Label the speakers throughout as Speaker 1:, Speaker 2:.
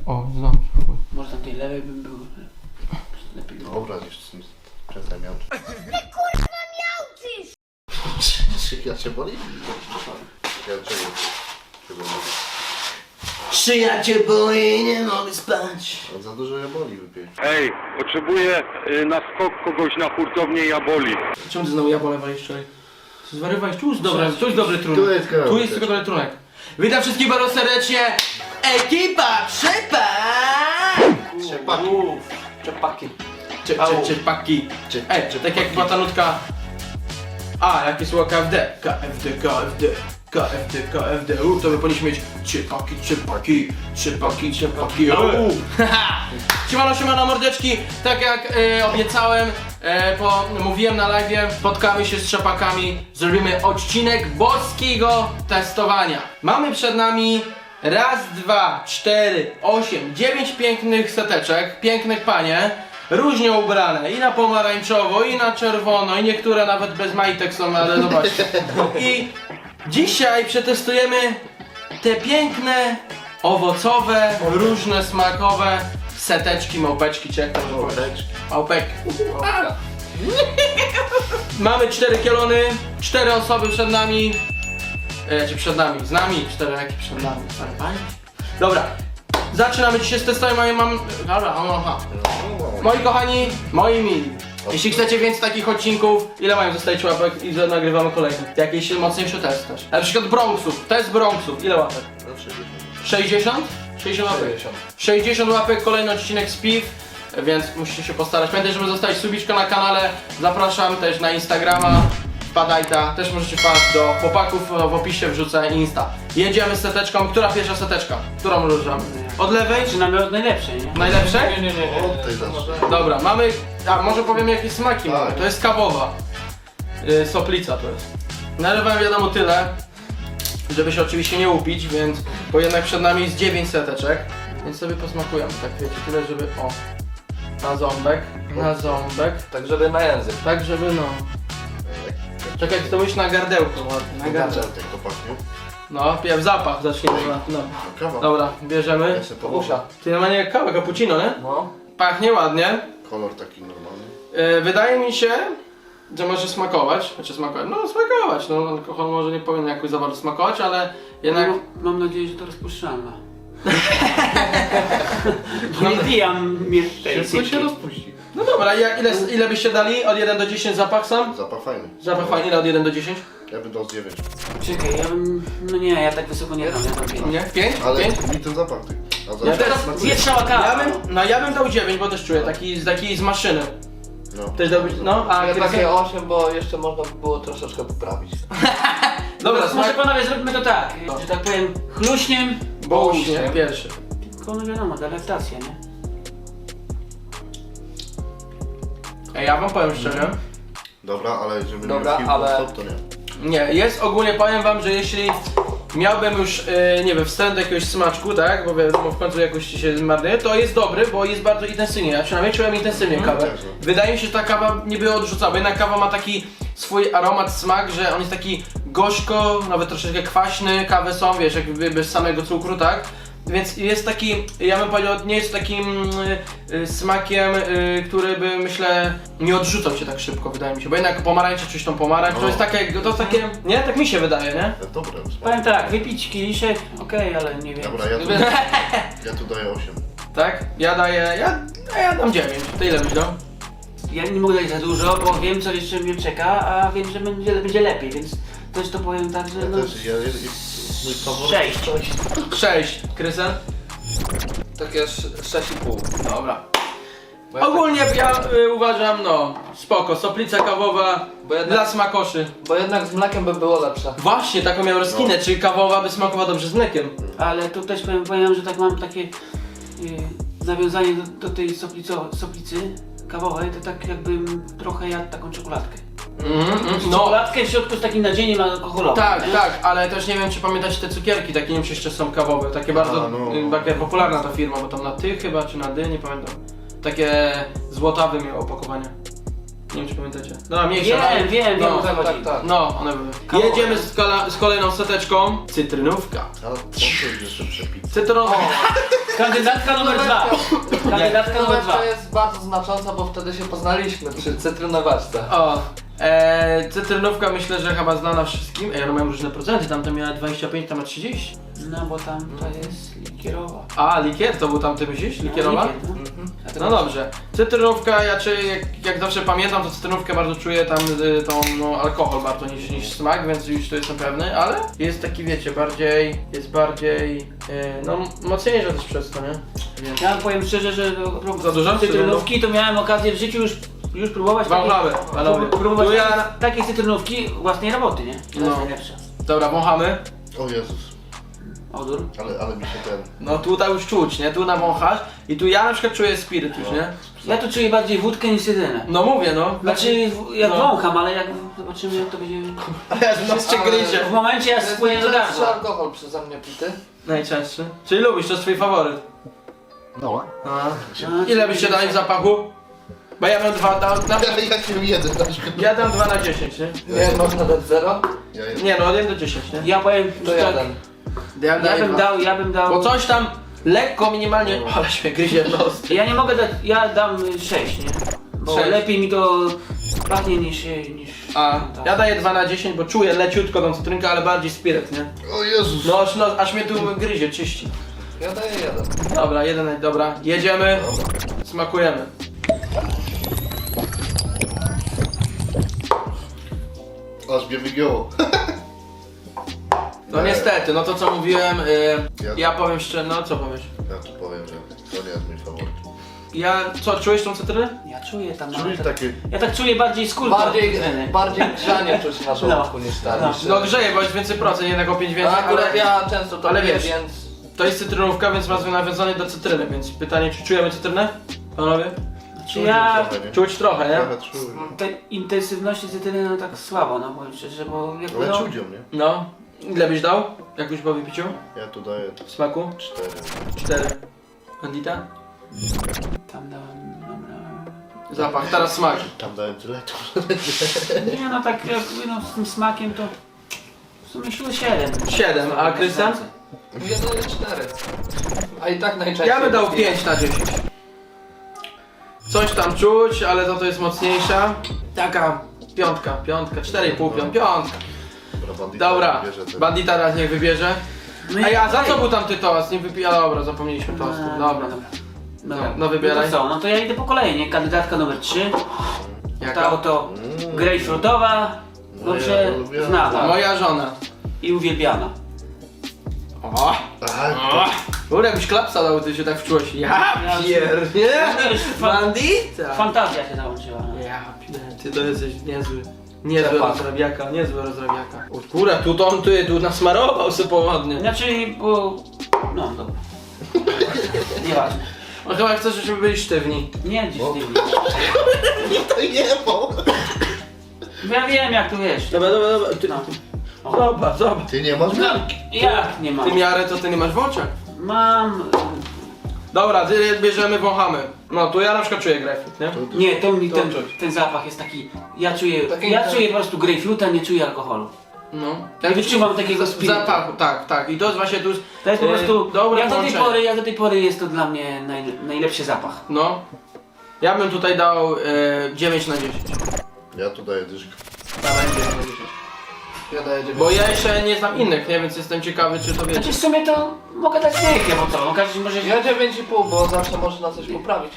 Speaker 1: O, znam.
Speaker 2: Może tam tej lewej bym był. Lepiej.
Speaker 3: Dobra, już przestań miałczyć.
Speaker 4: Ty kurwa miałczysz!
Speaker 3: Ja cię boli? Ja cię
Speaker 1: Szyja cię boli, nie mogę spać.
Speaker 3: za dużo ja boli wypiję.
Speaker 5: Ej, potrzebuję na skok kogoś na hurtownię Jaboli.
Speaker 1: Czemu ty znowu jabole walisz wczoraj? Zwariowałeś? Tu jest dobry trunek.
Speaker 3: Tu jest
Speaker 1: Tu jest tylko dobry trunek. Witam wszystkich bardzo serdecznie. Ekipa Trzepa!
Speaker 3: Trzepaki.
Speaker 2: Czepaki.
Speaker 1: Czepaki. Tak jak była ta nutka. A, jakie słowa KFD. KFD. To by powinniśmy mieć Czepaki. Siemano mordeczki. Tak jak obiecałem, mówiłem na live, spotkamy się z Trzepakami. Zrobimy odcinek boskiego testowania. Mamy przed nami raz, 2, 4, 8, 9 pięknych seteczek, pięknych panie. Różnie ubrane, i na pomarańczowo, i na czerwono, i niektóre nawet bez majtek są, ale zobaczcie. I dzisiaj przetestujemy te piękne, owocowe, różne smakowe seteczki, małpeczki, czy jak to powiedzieć? Małpek. Mamy 4 kielony, 4 osoby przed nami. Z nami, 4 jakie przed nami. Dobra, zaczynamy dzisiaj z testowaniem. Moi kochani, moi mili, jeśli chcecie więcej takich odcinków, ile mają zostawić łapek i nagrywamy kolejny? Jakiś mocniejszy test też. Na przykład Bronxów, test Bronxów, ile łapek? 60? 60 łapek. 60 łapek, kolejny odcinek z piw, więc musicie się postarać. Pamiętajcie, żeby zostawić subiczkę na kanale, zapraszam też na Instagrama, wpadajta, też możecie wpaść do chłopaków, w opisie wrzucę Insta. Jedziemy z seteczką, która pierwsza seteczka? Którą ruszamy? Od lewej?
Speaker 2: Zaczynamy od najlepszej, nie?
Speaker 1: Najlepsze?
Speaker 2: Nie.
Speaker 3: O, tutaj zacznę.
Speaker 1: Dobra, mamy. A może powiem jakie smaki mamy.
Speaker 3: Tak.
Speaker 1: To jest kawowa. Soplica to jest. Nalewałem wiadomo tyle, żeby się oczywiście nie upić, więc. Bo jednak przed nami jest 9 seteczek. Więc sobie posmakujemy, tak wiecie, tyle żeby. O. Na ząbek.
Speaker 6: Tak, żeby na język.
Speaker 1: Tak żeby no. Tak jak to mówisz na gardełko ładnie. Na gardełko.
Speaker 3: Jak to pachnie?
Speaker 1: No, pierw zapach zaczniemy. No.
Speaker 3: Kawa.
Speaker 1: Dobra, bierzemy.
Speaker 3: Ja sobie pomuszę.
Speaker 1: Ty normalnie jak kawa, cappuccino, nie?
Speaker 6: No.
Speaker 1: Pachnie ładnie.
Speaker 3: Kolor taki normalny.
Speaker 1: Wydaje mi się, że może smakować. No alkohol może nie powinien jakoś za bardzo smakować, ale jednak...
Speaker 2: Mam nadzieję, że to rozpuszczalne. Nie pijam
Speaker 3: Wszystko się rozpuści.
Speaker 1: No dobra, ile byście dali? Od 1 do 10 zapach sam?
Speaker 3: Zapach fajny.
Speaker 1: Zapach fajny, ile od 1 do 10?
Speaker 3: Ja bym dał z 9.
Speaker 2: Czekaj, ja bym... No nie, ja tak wysoko nie dam, ja dam 5.
Speaker 1: Nie? 5?
Speaker 3: Ale
Speaker 1: 5?
Speaker 3: mi ten zapach ty. A
Speaker 1: Ja
Speaker 3: zapach
Speaker 1: teraz
Speaker 3: smakuje.
Speaker 2: Zjedz szała kawa.
Speaker 1: Ja bym dał 9, bo też czuję, taki z maszyny.
Speaker 3: No.
Speaker 1: Też dałbyś, no, a
Speaker 6: Ja takie
Speaker 1: Krystian?
Speaker 6: 8, bo jeszcze można by było troszeczkę poprawić.
Speaker 1: Dobra,
Speaker 2: Może
Speaker 1: smak...
Speaker 2: panowie zróbmy to tak, że tak powiem chluśniem,
Speaker 1: Bołuśnie, pierwszy.
Speaker 2: tylko no wiadomo, delektacja, nie?
Speaker 1: Ja wam powiem szczerze.
Speaker 3: Dobra, ale żeby
Speaker 6: Dobra,
Speaker 3: nie pił
Speaker 6: ale-
Speaker 3: stop, to nie.
Speaker 1: Nie, jest ogólnie, powiem wam, że jeśli miałbym już, nie wiem, wstęp do jakiegoś smaczku, tak, bo wiadomo, w końcu jakoś ci się zmarnuje, to jest dobry, bo jest bardzo intensywnie, ja przynajmniej czułem intensywnie kawę.
Speaker 3: też, no.
Speaker 1: Wydaje mi się, że ta kawa nie była odrzucana, bo jednak kawa ma taki swój aromat, smak, że on jest taki gorzko, nawet troszeczkę kwaśny, kawy są, wiesz, jakby bez samego cukru, tak? Więc jest taki, ja bym powiedział, nie jest takim smakiem, który by, myślę, nie odrzucał się tak szybko, wydaje mi się. Bo jednak pomarańcze, czyś tą pomarańcz, to jest takie, nie? Tak mi się wydaje, nie?
Speaker 3: Dobre. smak.
Speaker 2: Powiem tak, wypić kieliszek, okej, ale nie wiem.
Speaker 3: Dobra, ja tu daję 8.
Speaker 1: Tak? Ja dam 9. Ty ile byś dał?
Speaker 2: Ja nie mogę dać za dużo, bo wiem co jeszcze mnie czeka, a wiem, że będzie lepiej, więc też to powiem tak, że
Speaker 3: Ja
Speaker 2: no...
Speaker 3: też, mój faworyt.
Speaker 2: 6.
Speaker 1: 6. Krystian?
Speaker 6: Takie 6,5.
Speaker 1: Dobra.
Speaker 6: Bo ja
Speaker 1: Ogólnie ja uważam, no, spoko, soplica kawowa
Speaker 6: Bo jednak-
Speaker 1: dla smakoszy.
Speaker 6: Bo jednak z mlekiem by było lepsze.
Speaker 1: Właśnie, taką miał rozkinę,
Speaker 3: No.
Speaker 1: czy kawowa by smakowała dobrze z mlekiem.
Speaker 2: Ale tu też powiem, że tak mam takie nawiązanie do tej soplicy kawowej, to tak jakbym trochę jadł taką czekoladkę.
Speaker 1: No,
Speaker 2: Czekoladkę w środku z takim nadziejem alkoholowym.
Speaker 1: tak,
Speaker 2: nie?
Speaker 1: tak, ale też nie wiem, czy pamiętacie te cukierki, takie nie wiem, czy jeszcze są kawowe, takie bardzo, taka popularna ta firma, bo tam na ty chyba, czy na dy, nie pamiętam. Takie złotawe miało opakowanie. Nie wiem, czy pamiętacie. No, mniejsza.
Speaker 2: Wiem,
Speaker 1: no,
Speaker 2: o co chodzi.
Speaker 6: tak.
Speaker 1: No, one były.
Speaker 2: Kawowe.
Speaker 1: Jedziemy z kolejną seteczką. Cytrynówka.
Speaker 3: A co to jest jeszcze przepić?
Speaker 1: Cytrynówka.
Speaker 2: Kandydatka numer 2. Kandydatka numer 2.
Speaker 6: To jest bardzo znacząca, bo wtedy się poznaliśmy przy cytrynowaczce.
Speaker 1: O. Cytrynówka myślę, że chyba znana wszystkim. One mają różne procenty, tamte miała 25, tam ma 30.
Speaker 2: No bo tam to jest likierowa.
Speaker 1: A, likier to był tamty myślisz? Likierowa?
Speaker 2: Likier, no.
Speaker 1: No dobrze. Cytrynówka, ja jak zawsze pamiętam, to cytrynówkę bardzo czuję tam tą no, alkohol bardzo niż smak, więc już to jestem pewny, ale jest taki wiecie, jest bardziej no mocniejsza też przez to, nie? Więc.
Speaker 2: Ja powiem szczerze, że
Speaker 1: Za dużo?
Speaker 2: cytrynówki to miałem okazję w życiu już próbować
Speaker 1: Wąchały, panowie.
Speaker 2: próbować
Speaker 1: Tu ja-
Speaker 2: takiej cytrynówki własnej roboty, nie? To
Speaker 1: No.
Speaker 2: jest najlepsza.
Speaker 1: Dobra, wąchamy.
Speaker 3: O Jezus,
Speaker 2: Odór.
Speaker 3: ale mi się ten...
Speaker 1: No tutaj już czuć, nie? Tu nawąchasz i tu ja na przykład czuję spiryt już, nie?
Speaker 2: Ja tu czuję bardziej wódkę niż cytrynę.
Speaker 1: No mówię, no.
Speaker 2: Znaczy jak
Speaker 1: No.
Speaker 2: wącham, ale jak zobaczymy jak to będzie...
Speaker 1: Jeszcze gryzie.
Speaker 2: W momencie jak spłynie do
Speaker 6: Najczęstszy
Speaker 2: gardła.
Speaker 6: alkohol przeze mnie pity.
Speaker 1: Najczęstszy. Czyli lubisz, to jest twój faworyt.
Speaker 3: No.
Speaker 1: A. Ile byście dali w zapachu? Bo ja bym 2 dał,
Speaker 3: Ja się jeden na przykład.
Speaker 1: ja dam 2 na 10, nie?
Speaker 6: Nie, można dać 0?
Speaker 3: Ja jeden.
Speaker 1: Nie no, 1 do 10, nie?
Speaker 2: Ja powiem,
Speaker 6: To
Speaker 2: że tak,
Speaker 6: 1.
Speaker 2: ja bym dał...
Speaker 1: Bo coś tam lekko, minimalnie, ale się gryzie w nos.
Speaker 2: Ja nie mogę dać, ja dam 6, nie? Bo
Speaker 1: 6.
Speaker 2: lepiej mi to pachnie niż
Speaker 1: A
Speaker 2: tak.
Speaker 1: ja daję 2 na 10, bo czuję leciutko tą cytrynkę, ale bardziej spiryt, nie?
Speaker 3: O Jezus.
Speaker 1: No aż mnie tu gryzie, czyści.
Speaker 6: Ja daję 1.
Speaker 1: Dobra, 1, dobra, jedziemy, smakujemy.
Speaker 3: Aż mnie wygięło.
Speaker 1: No
Speaker 3: Nie.
Speaker 1: niestety, no to co mówiłem,
Speaker 3: Ja-
Speaker 1: ja powiem szczerze, no co powiesz?
Speaker 3: Ja tu powiem, że to nie jest mój faworyt.
Speaker 1: Ja, co, czujesz tą cytrynę?
Speaker 2: Ja czuję tam
Speaker 3: Czujesz
Speaker 2: nawet...
Speaker 3: takie...
Speaker 2: Ja tak czuję bardziej skórkę.
Speaker 6: Bardziej grzanie czuć na żołądku niż ten.
Speaker 2: No.
Speaker 6: niż-
Speaker 1: No grzeje, bo jest więcej procent, jednak o 5 więcej,
Speaker 6: A akurat
Speaker 1: ale
Speaker 6: ja często to
Speaker 1: ale
Speaker 6: piję,
Speaker 1: wiesz.
Speaker 6: więc...
Speaker 1: to jest cytrynówka, więc ma nawiązanie do cytryny, więc pytanie, czy czujemy cytrynę? Panowie?
Speaker 2: Czy ja...
Speaker 3: Trochę, nie?
Speaker 1: Czuć trochę, nie?
Speaker 3: Trochę czuję.
Speaker 2: Te intensywności cytryny no tak słabo, no powiem szczerze, bo jakby
Speaker 3: Ale
Speaker 2: no...
Speaker 3: czuć ją, nie?
Speaker 1: No. Ile byś dał? Jak już po wypiciu?
Speaker 3: Ja tu daję
Speaker 1: W smaku?
Speaker 3: 4.
Speaker 1: 4. Bandita?
Speaker 2: Tam dałem... Dobra...
Speaker 1: Zapach, teraz smak.
Speaker 3: Tam dałem tyle, to
Speaker 2: Nie no tak jakby no z tym smakiem to... W sumie 7.
Speaker 1: 7, a Krystian?
Speaker 6: Ja daję 4. A i tak najczęściej...
Speaker 1: Ja bym dał
Speaker 6: piję.
Speaker 1: 5 na 10. Coś tam czuć, ale za to jest mocniejsza. Taka piątka, 4,5, piątka. Dobra, bandita teraz niech wybierze. Ej, a za co był tamty toast? Nie wypija, dobra, zapomnieliśmy toastu. Dobra. No, wybieraj.
Speaker 2: No to co, no to ja idę po kolei, nie? Kandydatka numer 3.
Speaker 1: Jaka?
Speaker 2: Ta oto grejpfrutowa, dobrze
Speaker 3: ja lubię.
Speaker 2: znana
Speaker 1: Moja żona.
Speaker 2: i uwielbiana.
Speaker 1: O!
Speaker 3: A,
Speaker 1: Kurde, jakbyś klapsa dał, ty się tak wczułeś. Ja
Speaker 2: Ja
Speaker 1: pierdnie!
Speaker 2: wiesz,
Speaker 1: Bandita!
Speaker 2: Fantazja się załączyła. No.
Speaker 1: Ja pierdnie, ty to jesteś niezły. Niezły
Speaker 6: Cepak.
Speaker 1: rozrabiaka, niezły rozrabiaka. O kurde, tu nasmarował sobie połodnie.
Speaker 2: Znaczy, bo... No, dobra. Nieważne.
Speaker 1: No chyba chcesz, żebyśmy byli sztywni.
Speaker 2: Nie, dziś nie
Speaker 3: to nie, bo...
Speaker 2: Ja wiem jak tu wiesz.
Speaker 1: Dobra. Ty,
Speaker 2: No.
Speaker 1: zobacz.
Speaker 3: Ty nie masz miarki.
Speaker 2: Jak nie mam?
Speaker 1: Ty miarę to ty nie masz w oczach.
Speaker 2: Mam...
Speaker 1: Dobra, ty bierzemy, wąchamy. No, tu ja na przykład czuję grapefruit, nie?
Speaker 2: Nie, to mi
Speaker 1: To
Speaker 2: ten,
Speaker 1: czuć.
Speaker 2: ten zapach jest taki... Ja czuję
Speaker 6: Taki-
Speaker 2: po prostu grejpfruta, nie czuję alkoholu.
Speaker 1: No.
Speaker 2: Ja wyczuwam takiego
Speaker 1: w
Speaker 2: spirytu.
Speaker 1: zapachu, tak. I to jest właśnie tu...
Speaker 2: To jest po prostu...
Speaker 1: dobre
Speaker 2: Ja
Speaker 1: połączenie.
Speaker 2: do tej pory jest to dla mnie najlepszy zapach.
Speaker 1: No. Ja bym tutaj dał 9 na 10.
Speaker 3: Ja tu daję dyszkę.
Speaker 1: Dawaj 9 na 10.
Speaker 6: Ja daję 9.
Speaker 1: Bo ja jeszcze nie znam innych, nie? Więc jestem ciekawy, czy to
Speaker 2: Znaczy
Speaker 1: wiecie.
Speaker 2: w sumie to mogę dać dychę, bo to, no każdy może...
Speaker 6: Ja 9,5, bo zawsze można coś poprawić.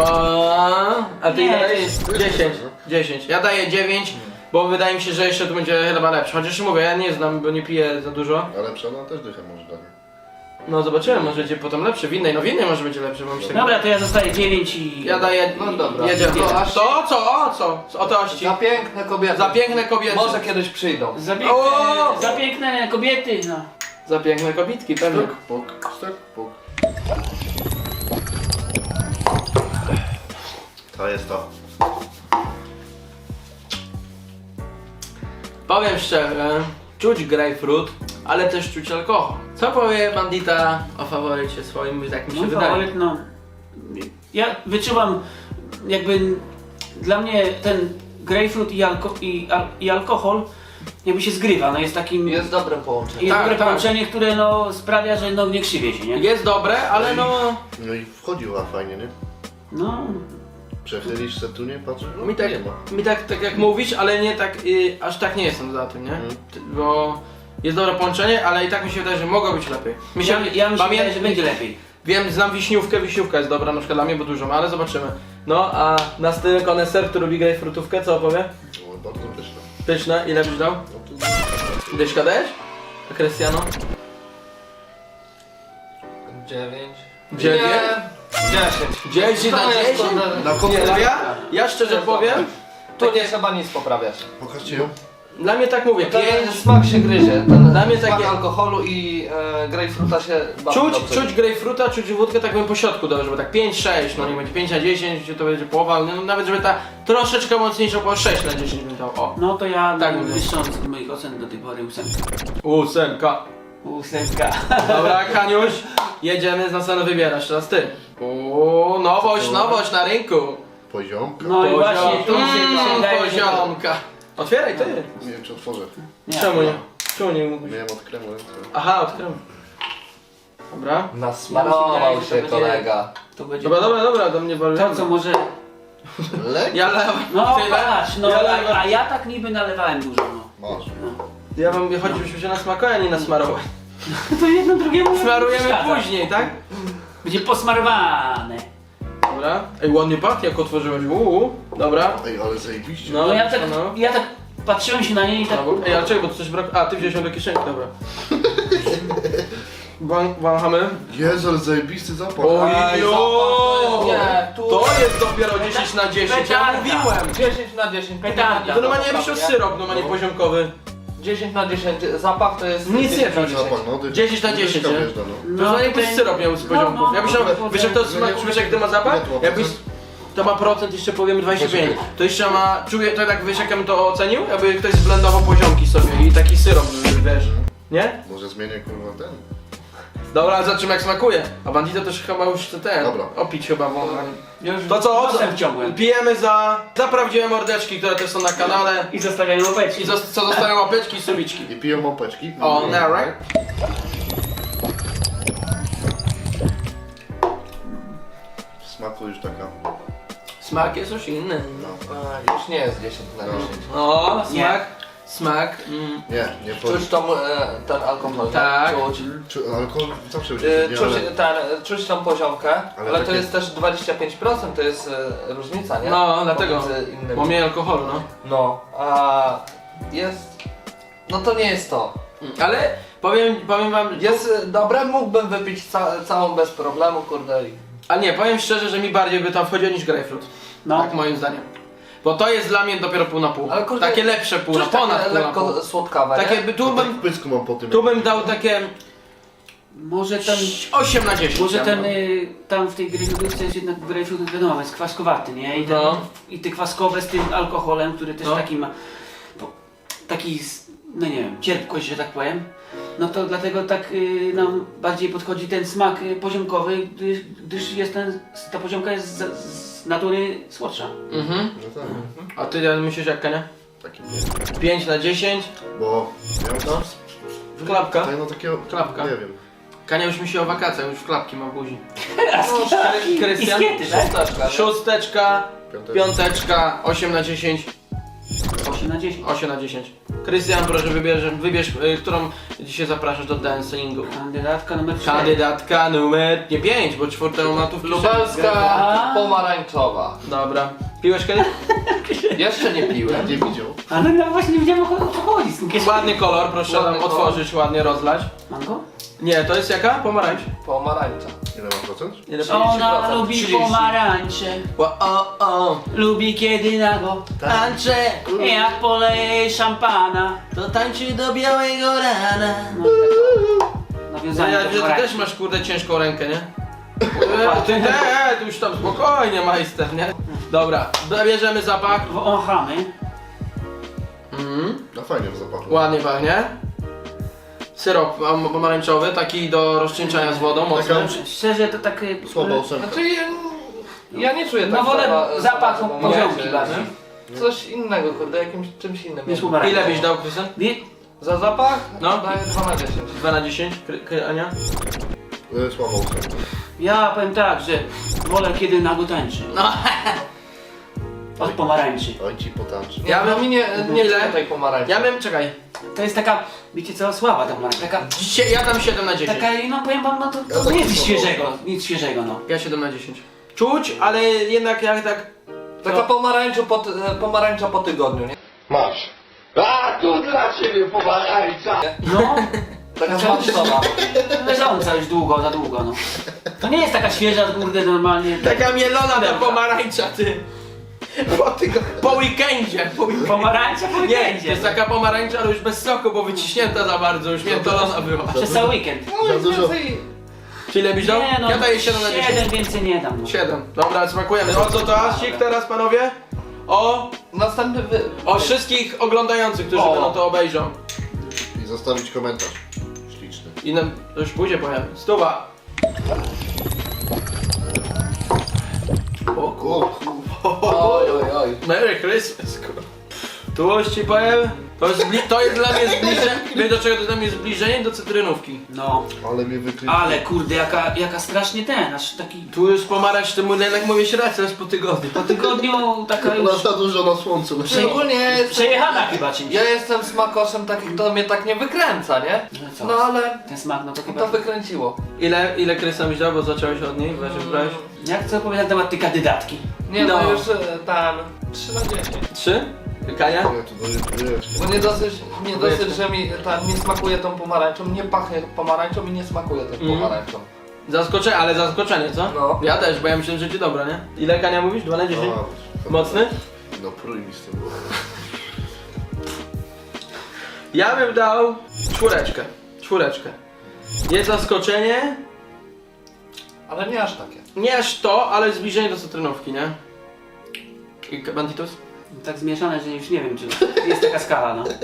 Speaker 1: A ty
Speaker 2: Nie,
Speaker 1: ile
Speaker 2: to
Speaker 1: dajesz?
Speaker 2: jest-
Speaker 1: 10. Ja daję 9, bo wydaje mi się, że jeszcze tu będzie chyba lepszy. Chociaż mówię, ja nie znam, bo nie piję za dużo.
Speaker 3: Ale przena też dychę może dać.
Speaker 1: No zobaczymy, może będzie potem lepszy. W innej może będzie lepszy, bo myślę.
Speaker 2: Dobra, to ja zostaję 9 i...
Speaker 1: Ja daję.
Speaker 6: No dobra.
Speaker 1: Jedziemy.
Speaker 6: To aż-
Speaker 1: To co? O co? O tości.
Speaker 6: Za piękne kobiety.
Speaker 1: Za piękne kobiety.
Speaker 6: Może kiedyś przyjdą.
Speaker 1: O!
Speaker 2: Za piękne kobiety, no.
Speaker 1: Za piękne kobitki, pewnie.
Speaker 3: Stek, puk. To jest to.
Speaker 1: Powiem szczerze, czuć grapefruit, ale też czuć alkohol. Co powie bandita o faworycie swoim, jak mi się
Speaker 2: Mój
Speaker 1: wydaje?
Speaker 2: faworyt, no... Ja wyczuwam jakby... Dla mnie ten grejpfrut i alkohol jakby się zgrywa, no jest takim...
Speaker 6: Jest dobre połączenie.
Speaker 2: Jest
Speaker 1: Tak,
Speaker 2: dobre
Speaker 1: tak.
Speaker 2: połączenie, które no sprawia, że no nie krzywie się, nie?
Speaker 1: Jest dobre, ale no...
Speaker 3: No i wchodziła fajnie, nie?
Speaker 2: No,
Speaker 3: Przechylisz se tu, nie? Patrzysz, no
Speaker 1: Mi tak,
Speaker 3: nie ma.
Speaker 1: tak jak mówisz, ale nie tak, aż tak nie jestem za tym, nie? Bo jest dobre połączenie, ale i tak mi się wydaje, że mogło być lepiej.
Speaker 2: ja mi się wydaje, że będzie lepiej.
Speaker 1: Wiem, znam wiśniówkę, wiśniówka jest dobra na przykład dla mnie, bo dużo ma, ale zobaczymy. No, a na styl koneser, który lubi grejpfrutówkę, co opowie?
Speaker 3: No, bardzo pyszne.
Speaker 1: Pyszne, ile byś dał?
Speaker 3: No tu...
Speaker 1: Dyszka dajesz? A Krystiano?
Speaker 6: 9.
Speaker 1: 9?
Speaker 6: 10.
Speaker 1: 10 na
Speaker 6: To jest
Speaker 1: 10?
Speaker 6: kurde-
Speaker 3: Na
Speaker 1: Nie,
Speaker 3: końcu...
Speaker 1: no ja szczerze powiem,
Speaker 6: Tu nie trzeba nic poprawiać.
Speaker 3: Pokażcie ją.
Speaker 1: dla mnie tak mówię,
Speaker 6: Ten
Speaker 1: 5.
Speaker 6: smak się gryzie. Ten
Speaker 1: Dla mnie
Speaker 6: smak
Speaker 1: takie-
Speaker 6: alkoholu i grejpfruta się bardzo dobrze
Speaker 1: Czuć grejpfruta, czuć wódkę tak bym po środku dał, żeby tak 5-6, no nie będzie 5 na 10, to będzie połowa, no nawet żeby ta troszeczkę mocniejsza było 6 na 10 bym dał, o.
Speaker 2: No to ja
Speaker 1: Tak
Speaker 2: tak
Speaker 1: mówię.
Speaker 2: wyższą z moich ocen do tej pory 8.
Speaker 1: 8.
Speaker 2: Ósemka.
Speaker 1: Dobra, Kaniuś, jedziemy, z następnego wybierasz, teraz ty. Nowość na rynku.
Speaker 3: Poziomka.
Speaker 2: No i właśnie tu się wydaje, że to...
Speaker 1: poziomka. Otwieraj ty.
Speaker 3: Nie wiem, czy otworzę.
Speaker 2: Nie.
Speaker 1: Czemu nie? Czemu nie mógłbyś?
Speaker 3: Miałem od kremu ręce.
Speaker 1: Aha, odkryłem. Dobra.
Speaker 6: Nasmarował
Speaker 2: że
Speaker 6: się
Speaker 2: to będzie-
Speaker 6: kolega.
Speaker 2: To będzie
Speaker 1: Dobra, do mnie wali.
Speaker 2: to, co może...
Speaker 3: Lek?
Speaker 1: Ja lewam.
Speaker 2: No
Speaker 1: Tyle.
Speaker 2: patrz, no
Speaker 1: Ja lewam.
Speaker 2: a ja tak niby nalewałem dużo, no.
Speaker 3: Masz.
Speaker 1: Ja wam chodzi, żebyśmy się nasmakowali, a nie nasmarować.
Speaker 2: To jedno drugiemu
Speaker 1: Smarujemy
Speaker 2: przeszkadza.
Speaker 1: później, tak?
Speaker 2: Będzie posmarowane.
Speaker 1: Dobra. Ej, ładnie pachnie, jak otworzyłeś. Dobra.
Speaker 3: Ej, ale zajebiście.
Speaker 2: No ja tak,
Speaker 1: no.
Speaker 2: ja tak patrzyłem się na niej i tak...
Speaker 1: Brawo. Ej, ale czekaj, bo tu coś brak... A, ty wziąłeś ją do kieszeni, dobra. Wąchamy.
Speaker 3: Jezu, ale zajebisty zapach.
Speaker 1: Ojo!
Speaker 6: Nie, tu-
Speaker 1: To jest dopiero 10 na 10, ja
Speaker 2: Petarda.
Speaker 1: mówiłem!
Speaker 6: 10 na 10.
Speaker 2: Petarda.
Speaker 1: To normalnie jakbyś miał syrop, normalnie poziomkowy.
Speaker 6: 10 na 10. Zapach to jest...
Speaker 1: Nic nie
Speaker 6: 10 na
Speaker 1: wiem.
Speaker 6: 10.
Speaker 3: Zapach, no.
Speaker 1: 10 na 10,
Speaker 3: Dyszka
Speaker 1: nie?
Speaker 3: wjeżdża, no.
Speaker 1: To normalnie jakbyś syrop miał z poziomków.
Speaker 2: no,
Speaker 1: Ja myślałem,
Speaker 2: no,
Speaker 1: wiesz jak to smak, wiesz jak to ma zapach?
Speaker 3: Ile to ma
Speaker 1: Jakbyś...
Speaker 3: procent?
Speaker 1: To ma procent, jeszcze powiemy 25. To jeszcze ma... Czuję, to tak wiesz jak ja bym to ocenił? Jakby ktoś zblendował poziomki sobie i taki syrop, wiesz. Nie?
Speaker 3: Może zmienię kurwa ten.
Speaker 1: Dobra, zobaczymy jak smakuje. A bandito też chyba już chce ten.
Speaker 3: Dobra.
Speaker 1: Opić chyba wąchanie.
Speaker 2: Ja już
Speaker 1: To co?
Speaker 2: nosem wciągłem.
Speaker 1: Pijemy za prawdziwe mordeczki, które też są na kanale.
Speaker 2: I zostawiają łapeczki.
Speaker 1: I co zostają łapeczki i subiczki.
Speaker 3: I piją małpeczki.
Speaker 1: O, now, right?
Speaker 3: W smaku już taka.
Speaker 1: Smak jest już inny.
Speaker 6: Już nie jest 10 na 10.
Speaker 1: O,
Speaker 2: Nie.
Speaker 1: smak.
Speaker 3: Nie powiem.
Speaker 6: Czuć ten alkohol,
Speaker 1: Tak.
Speaker 6: czuć.
Speaker 3: Alkohol zawsze będzie
Speaker 6: Czuć tą poziomkę, ale to
Speaker 3: takie-
Speaker 6: jest też 25%, to jest różnica, nie?
Speaker 1: No, dlatego.
Speaker 6: Pomiędzy innymi.
Speaker 1: Bo mniej alkoholu, no.
Speaker 6: No, a jest... No to nie jest to.
Speaker 1: Ale powiem wam,
Speaker 6: Jest dobre, mógłbym wypić całą bez problemu, kurde.
Speaker 1: a nie, powiem szczerze, że mi bardziej by tam wchodziło niż grapefruit.
Speaker 2: No.
Speaker 1: Tak moim zdaniem. Bo to jest dla mnie dopiero pół na pół.
Speaker 6: Ale kurde,
Speaker 1: takie lepsze pół na
Speaker 6: Czuć
Speaker 1: ponad
Speaker 6: takie
Speaker 1: pół na pół.
Speaker 6: lekko słodkawe,
Speaker 1: Takie
Speaker 6: nie?
Speaker 1: by,
Speaker 3: Tu w pysku mam po tym.
Speaker 1: tu bym dał takie
Speaker 2: Może ten...
Speaker 1: 8 na 10.
Speaker 2: Może
Speaker 1: ja
Speaker 2: ten,
Speaker 1: bym dał.
Speaker 2: tam w tej grejpfrutce jest jednak grejpfrut, wiadomo, jest kwaskowaty, nie? I, ten,
Speaker 1: No.
Speaker 2: I te kwaskowe z tym alkoholem, który też
Speaker 1: No.
Speaker 2: taki ma... Taki, no nie wiem, cierpkość, że tak powiem. No to dlatego tak nam bardziej podchodzi ten smak poziomkowy, gdyż jest ta poziomka jest z natury słodsza.
Speaker 1: Mhm.
Speaker 3: No tak.
Speaker 1: A ty ja myślisz jak Kania?
Speaker 3: Taki
Speaker 1: 5 na 10.
Speaker 3: Bo miał
Speaker 1: W klapka.
Speaker 3: tutaj no takiego.
Speaker 1: Klapka.
Speaker 3: Nie wiem.
Speaker 1: Kania już myśli o wakacjach, już w klapki ma w buzi.
Speaker 2: I
Speaker 1: Krystian?
Speaker 2: skiety, tak?
Speaker 6: Szósteczka, nie?
Speaker 1: Szósteczka,
Speaker 3: Piątek.
Speaker 1: piąteczka, 8 na 10.
Speaker 2: 8 na 10.
Speaker 1: 8 na 10. Krystian, proszę wybierz, którą dzisiaj zapraszasz do dancingu.
Speaker 2: Kandydatka numer 4.
Speaker 1: Kandydatka numer, nie 5, bo czwartą ma tu w kieszeni.
Speaker 6: Lubelska
Speaker 2: A.
Speaker 6: pomarańczowa.
Speaker 1: Dobra. Piłeś kiedyś?
Speaker 6: Jeszcze nie piłem.
Speaker 3: Nie widział.
Speaker 2: Ale no właśnie nie wiedziałem o co chodzi z tym kieszeni.
Speaker 1: Ładny kolor, proszę
Speaker 6: Ładny
Speaker 1: nam
Speaker 6: kolor.
Speaker 1: otworzyć, ładnie rozlać.
Speaker 2: Mango?
Speaker 1: Nie, to jest jaka? Pomarańcz.
Speaker 6: Pomarańcza.
Speaker 3: Ile ma procent?
Speaker 1: Ile
Speaker 6: 30%.
Speaker 2: Ona lubi
Speaker 1: 30.
Speaker 2: pomarańcze,
Speaker 1: o,
Speaker 2: lubi kiedy nago
Speaker 1: tańczę,
Speaker 2: jak poleje szampana.
Speaker 1: to tańczy do białego rana.
Speaker 2: No i tak
Speaker 1: No
Speaker 2: nawiązanie
Speaker 1: ja
Speaker 2: do
Speaker 1: wiem, że ty
Speaker 2: pomarańczy.
Speaker 1: też masz kurde ciężką rękę, nie? Ty już tam spokojnie majster, nie? Dobra, bierzemy zapach.
Speaker 2: Wąchamy.
Speaker 1: Mhm.
Speaker 3: No fajnie w zapachu.
Speaker 1: Ładnie pachnie. Syrop pomarańczowy, taki do rozcieńczania z wodą, mocny.
Speaker 2: Szczerze to tak...
Speaker 3: Słaba ósemka.
Speaker 6: Znaczy ja nie czuję tak
Speaker 2: No wolę
Speaker 6: za
Speaker 2: zapach
Speaker 6: bardzo
Speaker 2: poziomki
Speaker 6: pomarańczy.
Speaker 2: bardziej.
Speaker 6: coś innego, kurde, jakimś czymś innym.
Speaker 2: Niż pomarańcza.
Speaker 1: Ile byś dał, Krystian?
Speaker 6: Za zapach?
Speaker 1: No.
Speaker 6: Daję 2 na 10.
Speaker 1: 2 na 10? Ania?
Speaker 3: Słaba ósemka.
Speaker 2: Ja powiem tak, że wolę kiedy nago tańczy.
Speaker 1: No.
Speaker 2: Od pomarańczy.
Speaker 3: Oj ci potańczy.
Speaker 6: Ja
Speaker 1: Ja bym-
Speaker 6: bym nie
Speaker 1: Ile?
Speaker 6: czuję tej pomarańczy.
Speaker 1: Ja bym, czekaj,
Speaker 2: To jest taka, wiecie co, słaba ta pomarańcza. Taka,
Speaker 1: ja dam 7 na 10.
Speaker 2: no powiem wam, no to
Speaker 3: Ja tak
Speaker 2: nic
Speaker 3: samo.
Speaker 2: świeżego, nic świeżego, no.
Speaker 1: Ja 7 na 10. Czuć, ale jednak jak tak...
Speaker 6: Taka pomarańcza po tygodniu, nie?
Speaker 7: Masz. A, tu dla ciebie pomarańcza!
Speaker 2: No,
Speaker 6: Taka zmarszczona.
Speaker 2: leżąca już długo, za długo, no. To nie jest taka świeża, kurde, normalnie.
Speaker 1: Taka mielona ta pomarańcza, ty. Po weekendzie.
Speaker 2: Pomarańcza po
Speaker 1: Nie, to
Speaker 2: weekendzie.
Speaker 1: jest taka pomarańcza, ale już bez soku, bo wyciśnięta za bardzo, już miętolona była.
Speaker 2: Przez cały weekend.
Speaker 3: Za dużo.
Speaker 1: Czy ile byś dał?
Speaker 2: Nie no,
Speaker 1: Ja daję 7 na 10.
Speaker 2: 7 więcej nie dam, no.
Speaker 1: 7. Dobra, smakujemy. O co to Asik teraz, panowie?
Speaker 6: Następny
Speaker 1: O wszystkich oglądających, którzy
Speaker 6: O.
Speaker 1: będą to obejrzą.
Speaker 3: I zostawić komentarz. Śliczny.
Speaker 1: I nam, to już pójdzie powiem. Stuwa. O kur...
Speaker 6: Oj, oj, oj.
Speaker 1: Merry Christmas, kur... Tu już ci powiem, to jest dla mnie zbliżenie, wiesz do czego to dla mnie zbliżenie? Do cytrynówki.
Speaker 2: No,
Speaker 3: Ale mnie wykryli.
Speaker 2: ale kurde, jaka strasznie aż taki...
Speaker 1: Tu już pomarańcz, ty mu jednak mówisz rację, aż po tygodniu.
Speaker 2: Po tygodniu taka już
Speaker 3: Ona za dużo na słońcu.
Speaker 6: Szczególnie ja jestem,
Speaker 2: przejechana chyba czymś.
Speaker 6: ja jestem smakoszem takich, to mnie tak nie wykręca, nie?
Speaker 2: No co?
Speaker 6: No ale
Speaker 2: Ten smak, no to chyba...
Speaker 6: to wykręciło.
Speaker 1: Ile Krystian byś dał, bo zacząłeś od niej, właśnie brałeś?
Speaker 2: Jak chcę opowiedzieć na temat tej kandydatki?
Speaker 6: Nie no,
Speaker 1: No.
Speaker 6: już tam 3 na 10.
Speaker 1: 3? Kania?
Speaker 3: Ja tu dojeżdżę.
Speaker 6: Bo nie dosyć, że mi nie smakuje tą pomarańczą, nie pachnie pomarańczą i nie smakuje tą pomarańczą.
Speaker 1: Zaskoczenie, ale zaskoczenie, co?
Speaker 6: No.
Speaker 1: Ja też, bo ja myślałem, że ci dobra, nie? Ile Kania mówisz? 2 na 10? Mocny?
Speaker 3: No prój mi z tym.
Speaker 1: Ja bym dał 4. Jest zaskoczenie,
Speaker 6: Ale nie aż takie.
Speaker 1: nie aż to, ale zbliżenie do cytrynówki, nie? I Banditos?
Speaker 2: Tak zmieszane, że już nie wiem, czy jest taka skala, no.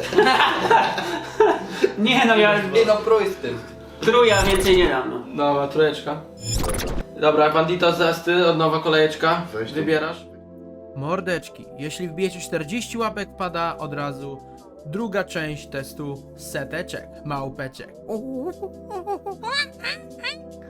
Speaker 2: Nie no, ja
Speaker 6: Nie no, prój z tym.
Speaker 2: trójka więcej nie dam, no.
Speaker 1: Dobra, 3. Dobra, Banditos, zaraz ty, od nowa kolejeczka.
Speaker 3: Weź to.
Speaker 1: Wybierasz. Mordeczki, jeśli wbijecie 40 łapek, pada od razu druga część testu seteczek, małpeczek.